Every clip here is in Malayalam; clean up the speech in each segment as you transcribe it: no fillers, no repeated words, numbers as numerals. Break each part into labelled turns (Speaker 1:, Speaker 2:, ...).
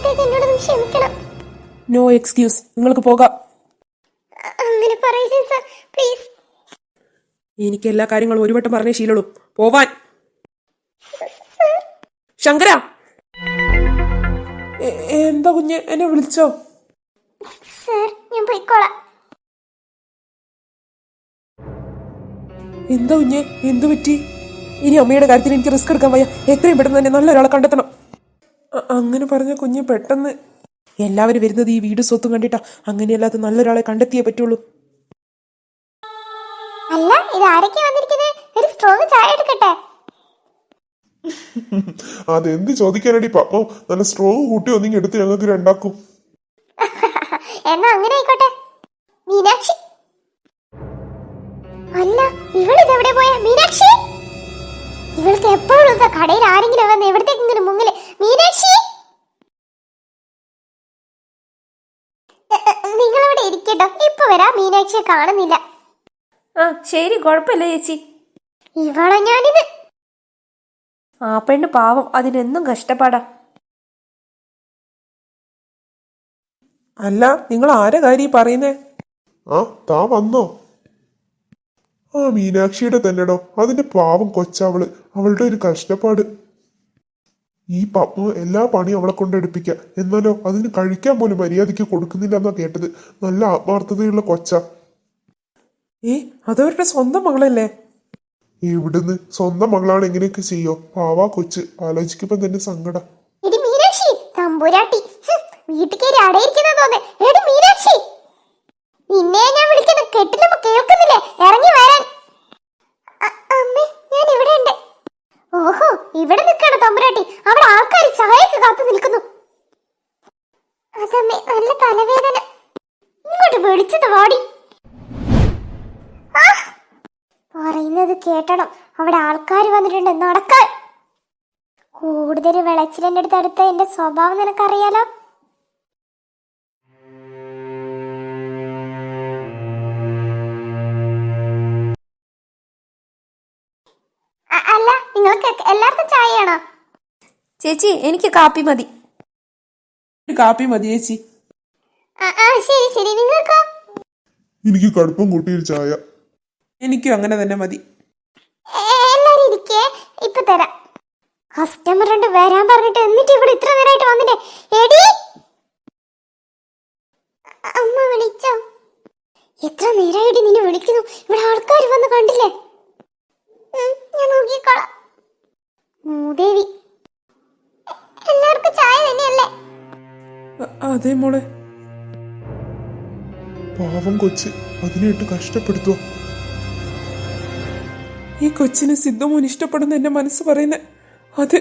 Speaker 1: ഇന്നത്തേക്ക് എന്നോട് ക്ഷമിക്കണം.
Speaker 2: നോ എക്സ്ക്യൂസ്, നിങ്ങൾക്ക് പോകാം.
Speaker 1: അങ്ങനെ പറയില്ലേ സർ, പ്ലീസ്.
Speaker 2: എനിക്ക് എല്ലാ കാര്യങ്ങളും ഒരു വട്ടം പറഞ്ഞേ ശീലുള്ളൂ. പോവാൻ. ശങ്കര, എന്താ കുഞ്ഞ്, എന്നെ വിളിച്ചോ?
Speaker 1: സർ, ഞാൻ പോയിക്കോളാം.
Speaker 2: എന്താ കുഞ്ഞ്, എന്തു പറ്റി? ഇനി അമ്മയുടെ കാര്യത്തിൽ എനിക്ക് റിസ്ക് എടുക്കാൻ വയ്യ. എത്രയും പെട്ടെന്ന് തന്നെ നല്ലൊരാളെ കണ്ടെത്തണം. അങ്ങനെ പറഞ്ഞ കുഞ്ഞ് പെട്ടെന്ന് എല്ലാവരും വരുന്നത് ഈ വീട് സ്വത്തും കണ്ടിട്ടാ. അങ്ങനെയല്ലാതെ നല്ലൊരാളെ കണ്ടെത്തിയേ പറ്റുള്ളൂ.
Speaker 1: അല്ല, ഇത് ആരൊക്കെ വന്നിരിക്കുന്നത്? ഒരു സ്ട്രോങ് ചായ എടുക്കട്ടെ?
Speaker 3: അതെന്ത് ചോദിക്കാനടി പപ്പോ? നല്ല സ്ട്രോങ് കൂട്ടി ഒന്നിങ്ങി എടുത്ത് ഞങ്ങൾക്ക് രണ്ടാക്കും.
Speaker 1: എന്നാ അങ്ങനെ ആയിക്കോട്ടെ. മീനാക്ഷി, അല്ല ഇവളിതെവിടെ പോയ? മീനാക്ഷി, ഇവൾക്ക് എപ്പോഴും കടയിൽ ആരെങ്കിലും വന്ന് എവിടത്തേക്കെങ്കിലും മുങ്ങില്. മീനാക്ഷി, നിങ്ങളിവിടെ ഇരിക്കട്ടോ, ഇപ്പൊ വരാം. മീനാക്ഷിയെ കാണുന്നില്ല.
Speaker 4: ആ ശരി, കുഴപ്പമില്ല ചേച്ചി.
Speaker 1: ഇവളെ ഞാനിത്.
Speaker 4: ആ പെണ്ണ് പാവം, അതിനെന്നും കഷ്ടപ്പാടാ.
Speaker 2: അല്ല, നിങ്ങൾ ആരെ കാര്യം പറയുന്നേ?
Speaker 3: ആ താ വന്നോ? ആ മീനാക്ഷിയുടെ തന്നെടോ. അതിന്റെ പാവം കൊച്ചവള്, അവളുടെ ഒരു കഷ്ടപ്പാട്. ഈ പപ്പ എല്ലാ പണിയും അവളെ കൊണ്ട് എടുപ്പിക്കുക. എന്നാലോ അതിന് കഴിക്കാൻ പോലും മര്യാദയ്ക്ക് കൊടുക്കുന്നില്ല എന്നാ കേട്ടത്. നല്ല ആത്മാർത്ഥതയുള്ള കൊച്ച.
Speaker 2: അതവരുടെ സ്വന്തം മകളല്ലേ?
Speaker 3: എവിടുന്ന് സ്വന്തം മകളാണ് എങ്ങനെയൊക്കെ ചെയ്യോ? പാവാ കൊച്ച്, ആലോചിക്കുമ്പോ തന്നെ സങ്കടം.
Speaker 1: എടി മീനാക്ഷി, തമ്പുരാട്ടി, വീട്ടിൽ കയറി അടയിരിക്കുന്ന തോന്നേ. എടി മീനാക്ഷി, നിന്നെ ഞാൻ വിളിക്കുന്നത് കെട്ടിലുമ്പോ കേൾക്കുന്നില്ലേ? ഇറങ്ങി വരാൻ. അമ്മേ, ഞാൻ ഇവിടെ ഉണ്ട്. ഓഹോ, ഇവിടെ നിൽക്കാണ് തമ്പുരാട്ടി. അവിടെ ആൾക്കാർ ചായക്ക് കാത്തു നിൽക്കുന്നു. അതമ്മേ, നല്ല തലവേദന. ഇങ്ങോട്ട് വിളിച്ചത് വാടി. പറയുന്നത് കേട്ടണം. അവിടെ ആൾക്കാർ വന്നിട്ടുണ്ട്. നടക്കാൻ. കൂടുതൽ വിളച്ചിലെന്റെ അടുത്ത് എന്റെ സ്വഭാവം നിനക്കറിയാലോ. അല്ല, നിങ്ങൾക്ക് എല്ലാവർക്കും ചായയാണോ?
Speaker 4: ചേച്ചി, എനിക്ക് കാപ്പി മതി.
Speaker 2: കാപ്പി മതി ചേച്ചി.
Speaker 1: ശരി ശരി. നിങ്ങൾക്കോ?
Speaker 3: എനിക്ക് കടുപ്പം കൂട്ടിയൊരു ചായ.
Speaker 2: എനിക്കും അങ്ങനെ തന്നെ മതി.
Speaker 1: എല്ലാരും ഇരിക്കേ, ഇപ്പൊ തരാം. കസ്റ്റമർ ഉണ്ട് വരാൻ പറഞ്ഞിട്ട്, എന്നിട്ട് ഇവിടെ ഇത്ര നേരമായിട്ട് വന്നിട്ടേ. എടി, അമ്മ വിളിച്ചോ? എത്ര നേരമായിട്ട് നിന്നെ വിളിക്കുന്നു. ഇവിടെ ആൾക്കാർ വന്ന് കണ്ടില്ലേ? ഞാൻ നോക്കിക്കോളാം. മൂദേവി, എല്ലാവർക്കും ചായ തന്നെയല്ലേ?
Speaker 2: അതെ മോളെ.
Speaker 3: പാവം കൊച്ച്, അതിനായിട്ട് കഷ്ടപ്പെടുത്തുക.
Speaker 2: ഈ കൊച്ചിന് സിദ്ധുമോൻ ഇഷ്ടപ്പെടുന്ന എന്റെ മനസ്സ് പറയുന്നേ. അത്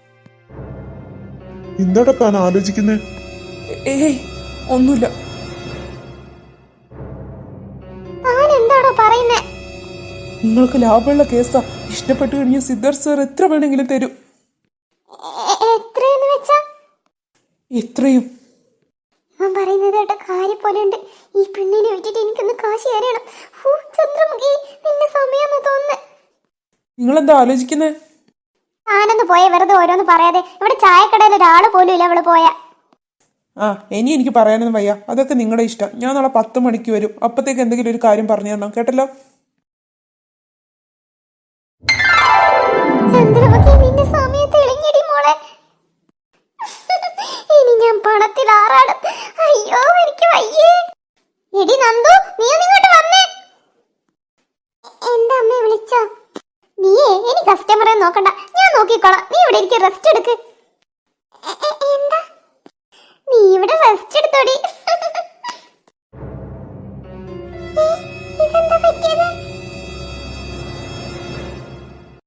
Speaker 3: എന്താടാ താൻ ആലോചിക്കുന്നേ?
Speaker 2: ഏയ് ഒന്നുമില്ല.
Speaker 1: താൻ എന്താണോ പറയുന്നേ?
Speaker 2: നിങ്ങൾക്ക് ലാഭമുള്ള കേസാ. ഇഷ്ടപ്പെട്ടു കഴിഞ്ഞ സിദ്ധാർത്ഥ് സാർ എത്ര വേണമെങ്കിലും തരും.
Speaker 1: എത്രയെന്ന് വെച്ചാ?
Speaker 2: എത്രയും.
Speaker 1: ഞാൻ പറയുന്നത് കേട്ട കാര്യം പോലെ ഉണ്ട്. ഈ പെണ്ണിനെ വിട്ടിട്ട് എനിക്കൊന്ന് കാശി തരണം. ചന്ദ്രമുഖി, നിന്റെ സമയമെന്ന് തോന്നുന്നു.
Speaker 2: നിങ്ങളെന്താ ആലോചിക്കുന്നേ?
Speaker 1: ഞാനൊന്ന് പോയ വെറുതെ ഓരോന്ന് പറയാതെ. ഇവിടെ ചായക്കടയിൽ ഒരാള് പോലും ഇല്ല. അവള് പോയ.
Speaker 2: ഇനി എനിക്ക് പറയാനൊന്നും വയ്യ. അതൊക്കെ നിങ്ങളുടെ ഇഷ്ടം. ഞാൻ നാളെ 10 മണിക്ക് വരും. അപ്പത്തേക്ക് എന്തെങ്കിലും ഒരു കാര്യം പറഞ്ഞു തരണം, കേട്ടല്ലോ?
Speaker 1: ചന്ദ്രമുഖി, നിന്റെ സമയത്ത് ഇളങ്ങിയടി മോളെ. ഇനി ഞാൻ പണത്തിൽ ആറാടും. അയ്യോ, എനിക്ക് വയ്യേ. എടി നന്ദു, നീ ഒന്നിങ്ങോട്ട് വന്നേ. എന്താ അമ്മയെ വിളിച്ചോ? നീയേ ഇനി കസ്റ്റമറെ നോക്കണ്ട, ഞാൻ നോക്കിക്കോളാം. നീ ഇവിടെ ഇരിക്കും, റെസ്റ്റ് എടുക്ക്. എന്താ? നീ ഇവിടെ റെസ്റ്റ് എടുത്തോടി.